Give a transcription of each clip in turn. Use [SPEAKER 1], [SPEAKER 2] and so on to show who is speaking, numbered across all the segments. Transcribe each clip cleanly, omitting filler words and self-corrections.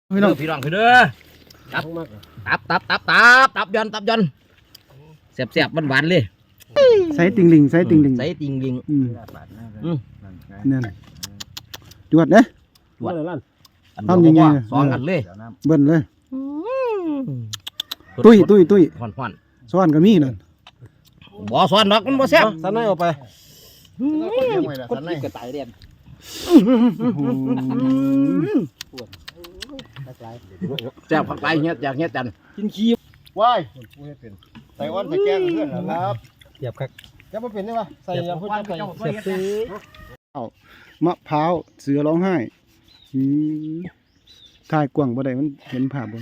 [SPEAKER 1] พี่น้องคือเด้อตับยอนเสียบหวานเลย
[SPEAKER 2] ใส่ติงลิงนั่นจวดเด้ทำยังไง
[SPEAKER 1] สองอันเลย
[SPEAKER 2] เบิ้ลเลยตุ้ย
[SPEAKER 1] ห่อน
[SPEAKER 2] ซ้อนก็มีนั่น
[SPEAKER 1] บ่ซ้อนดอกมันบ่แซ่บ
[SPEAKER 3] สันไหนออกไป
[SPEAKER 1] คนกินกระต่ายเรียนแซ่บผักไปเฮ็ดอยากเฮ็ดจัน
[SPEAKER 3] กินขี้
[SPEAKER 4] ว้ายใส่อ้อนใส่แกงเพื่อนครับ
[SPEAKER 3] เสียบครับ
[SPEAKER 4] จะมาเป็นได้ปะใส่ยาพูดใส่
[SPEAKER 3] เสียบซื้อ
[SPEAKER 2] มะพร้าวเสือร้องไห้ถ่ายกว้างบ่ได้มันเห็นภาพบ่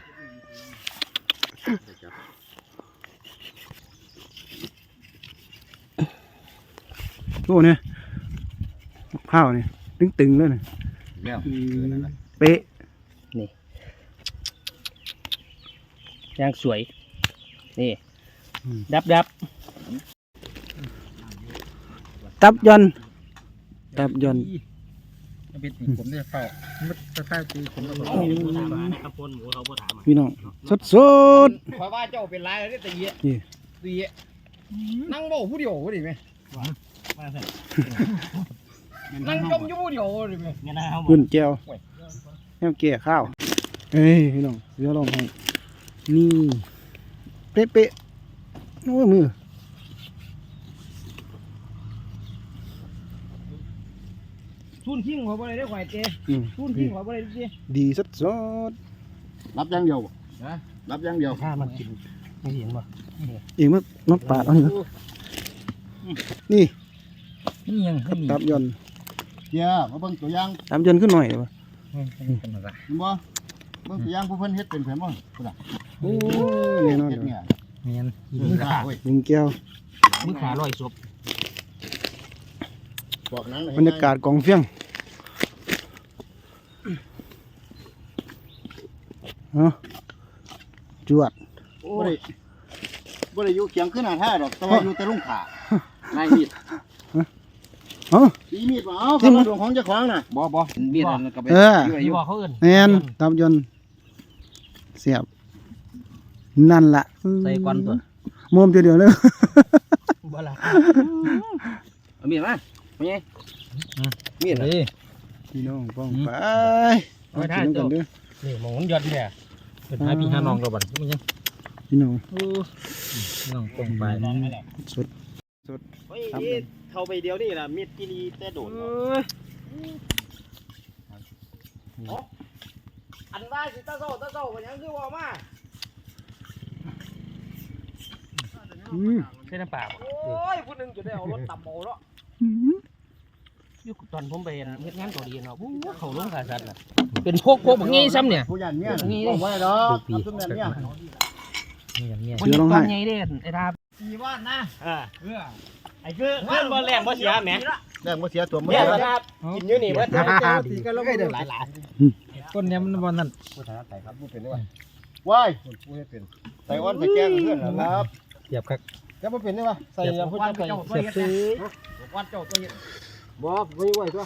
[SPEAKER 2] โอ้เนี่ยมะพร้าวเนี่ยตึงเลยเนี่ยเป๊ะ
[SPEAKER 3] นี่ย่างสวยนี่ดับ
[SPEAKER 2] ตับยอน
[SPEAKER 4] เป็นผมเนี่ยเฝ้ามันจะใต้ตีผมแล้ว
[SPEAKER 2] พี่น้องสด
[SPEAKER 1] ขอว่าเจ้าเป็นไรแล้วตีนั่งโม่ผู้เดียวดิไหมนั่งจมอยู่ผู้เดียวดิไหม
[SPEAKER 2] ขึ้นแก้วแก้วเกี่ยข้าวเอ้ยพี่น้องเสือร้องไห้นี่เป๊ะโอ้ยมือ
[SPEAKER 1] ทุนทิ้งหัวบ่ได้ได้ข่อยเจ้ทุนทิ้งหัวบ่ได้ดิ
[SPEAKER 2] ดีสด
[SPEAKER 4] รับยังเดียวรับยังเดียว
[SPEAKER 3] ถ้ามันกินไม่เห็นป่ะ
[SPEAKER 2] เองมันปาดเอานี่
[SPEAKER 1] ยัง
[SPEAKER 2] ตับยอน
[SPEAKER 4] เดี๋ยวมาเบิ่งตัวอย่าง
[SPEAKER 2] ตับยอนขึ้นหน่อยป่ะ
[SPEAKER 4] เห็นบ่เบิ่งตัวอย่างผู้เพิ่นเฮ็ดเป็นแผนบ่พุ่นน่ะ
[SPEAKER 2] โอ้แน่นอน
[SPEAKER 4] เฮ็ดเนี่ย
[SPEAKER 3] เมียน
[SPEAKER 4] มือขาเว้ย
[SPEAKER 2] ลุงแก้ว
[SPEAKER 3] มือขาลอยศพ
[SPEAKER 4] บอกหนัง
[SPEAKER 2] บรรยากาศกองเฟี้ยงจวด
[SPEAKER 4] บ่ได้อยู่เคียงขึ้นหน้าท่าดอกแต่ว่าอยู่แต่ลุงขานายมีดตีมีดมาเอาคำดวงของเจ้าของน่ะ
[SPEAKER 1] บ่มีดนั่นก็ไป
[SPEAKER 3] อยู่เขาอื่น
[SPEAKER 2] แน่นตับยอนเสียบนั่นล่ะ
[SPEAKER 1] ใส่ก้อนตัว
[SPEAKER 2] มุมเดียวเลย
[SPEAKER 3] บ่ละ
[SPEAKER 1] เอามีดมาเป็นไงมีด
[SPEAKER 3] นี่
[SPEAKER 2] พี่น้องป้องไป
[SPEAKER 3] เอาท่ากันด้วยนี่มองมันยอดเนี่ยเป็นหาพี่หาน้องเราบัดมันยัง
[SPEAKER 2] พี่น้อง
[SPEAKER 3] น้องป้องไป
[SPEAKER 2] สด
[SPEAKER 4] เข้าไปเดียวนี่ล่ะมีดกินีแต่โดด
[SPEAKER 1] อันว่าสิตาโซ่มันยังคือว่ามา
[SPEAKER 3] ใช่น้ำเปล่า
[SPEAKER 1] โอ้ยผู้นึงจะได้เอารถตับโบแล้ว
[SPEAKER 3] ยุคตอนผมไปเฮ็ดงานเกาหลีเนาะเขาลงขาสัตว์น่ะเป็นพวกแบบงี้ซ้ำเนี่ย
[SPEAKER 4] ผู้ยันเนี่ยนี่บอกไว้ดอกทำเนี่ย
[SPEAKER 3] มันตอนไงเด้ไอ้ดาบ
[SPEAKER 1] กี่วันนะ
[SPEAKER 3] ไอ้คือเงินบ่แรงบ่เสียแหม
[SPEAKER 4] แรงบ่เสียตัว
[SPEAKER 3] มันกินอยู่นี่บ่
[SPEAKER 4] ตีกันแล้วเด้อหลาย
[SPEAKER 3] ต้นนี้มันบ่นั่น
[SPEAKER 4] ผู้ถนัดใส่ครับผู้เป็นได้ว่าว้ายผู้ให้เป็นใส่อ้อนใส่แกงเพื่อนครับ
[SPEAKER 3] เสียบครับ
[SPEAKER 4] แล้วบ่เป็นได้ว่าใส่ยาพูดใส่
[SPEAKER 3] เสียบซื้อ
[SPEAKER 1] วัดเจ้าตัวนี้
[SPEAKER 4] บ่ไม่ไหวตัว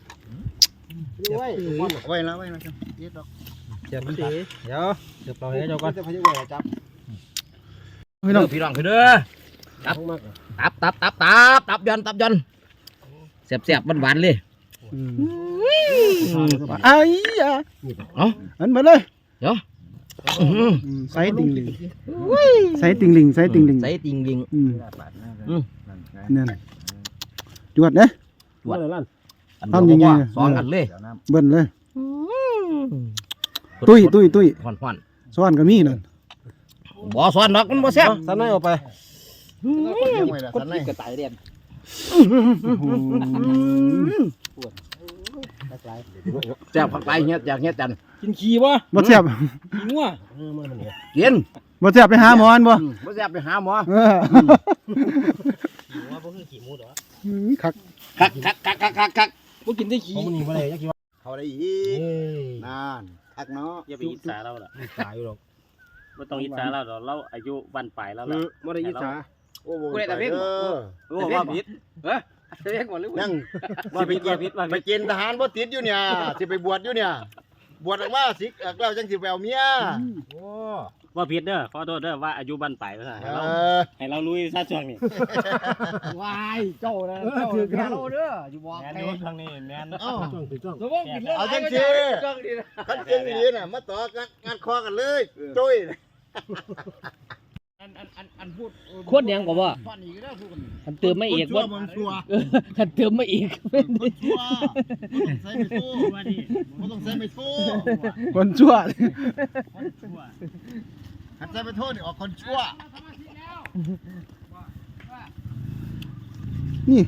[SPEAKER 4] ไว้แล้วครับเย็ดดอก
[SPEAKER 3] เสียบซื้อเดี๋ยวเสียบเราให้เจ้าก่อน
[SPEAKER 4] จะพยายามจับ
[SPEAKER 1] พี่น้องคือเด้อตับยอนเสียบหวานเลย
[SPEAKER 2] ไอ้ยะอันมาเลย
[SPEAKER 1] เดี๋ยว
[SPEAKER 2] ใส่ติงลิงใส่ติงลิงนั่นจวดเด้
[SPEAKER 1] ทำยังไงสองอันเลย
[SPEAKER 2] เบิ้ลเลยตุ้ย
[SPEAKER 1] ห่อน
[SPEAKER 2] ซ้อนก็มีนั่น
[SPEAKER 1] บ่ซ้อนดอกมันบ่แซ่บ
[SPEAKER 3] สันไหนออกไป
[SPEAKER 1] คนกินกระต่ายเรียนแซ่บผักไปเฮ็ดอยากเฮ็ดจัน
[SPEAKER 3] กินขี้บ่
[SPEAKER 2] แซ่บ
[SPEAKER 3] กินงัว
[SPEAKER 1] กิน
[SPEAKER 2] บ่แซ่บไปหาหมอบ่
[SPEAKER 1] แซ่บไปหาหมอ
[SPEAKER 3] ว่าบ่คือขี้หมูดอก
[SPEAKER 2] คัก
[SPEAKER 3] บ่กินได้ขี้
[SPEAKER 4] มันนี่บ่ได้จักคิดว่าเขาได้อีกนานคักเนาะ
[SPEAKER 3] อย่าไปอิจฉาเราล่ะอิจฉาอยู่หรอกบ่ต้องอิจฉาเราดอกเราอายุวันปลายแล้วล่ะ
[SPEAKER 4] บ่ได้อิจฉา
[SPEAKER 1] โอ้กูได้แต่เพ่งว่าผิดเพ่งหมดหรือ
[SPEAKER 4] นั่งสิไปกินทหารบ่ติดอยู่เนี่ยสิไปบวชอยู่เนี่ยบวชออกมาสิเราจังสิแววเมีย
[SPEAKER 1] โอ้
[SPEAKER 5] ว่าผิดเด้อขอโทษเด้อว่าอายุบั้นปลายภาษาให้เราลุยซะช่วงนี้
[SPEAKER 1] วายเจ้านะเจ้าถือแค่เราเด้ออยู่บอก
[SPEAKER 5] แม่น
[SPEAKER 1] แค่
[SPEAKER 5] อยู่ช่วงนี้แม่น
[SPEAKER 4] เอ้า
[SPEAKER 1] สมมติกินเรื่อง
[SPEAKER 4] เอาจังสิ
[SPEAKER 1] จ้องดีนะ
[SPEAKER 4] คันเก่งดีน่ะมาต่อกันงานคอกันเลยจุ้ย
[SPEAKER 1] อันพูด
[SPEAKER 3] โคตรยังกว่าว่า
[SPEAKER 1] ฟันอีกแล้วพูดกัน
[SPEAKER 3] คันเติมไม่อีก
[SPEAKER 4] ว่า
[SPEAKER 3] ว่า
[SPEAKER 4] มันชัว
[SPEAKER 3] คันเติมไม่อีก
[SPEAKER 4] คนชั่วบ่ต้องใส่ไม่สู้ว่าดิบ่ต้องใส่ไม่สู้
[SPEAKER 2] คนชั่ว
[SPEAKER 4] คันใส่ไม่โทษนี่ออกคนชั่ว
[SPEAKER 2] นี่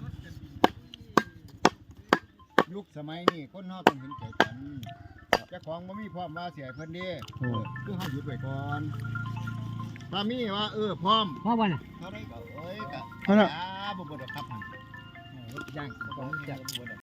[SPEAKER 4] ยุคสมัยนี้คนเฮาต้องเห็นใจกันเจ้าของบ่มีพร้อมว่าเสียเพิ่นเด้คือเฮาหยุดไว้ก่อนถ้ามีว่าพร้อม
[SPEAKER 1] พ่อวันน่ะ
[SPEAKER 4] เท่าไรก็ก็
[SPEAKER 2] นั่นน่ะ
[SPEAKER 4] บ่บ่ดอกครับหั่น
[SPEAKER 1] ย่างของจัด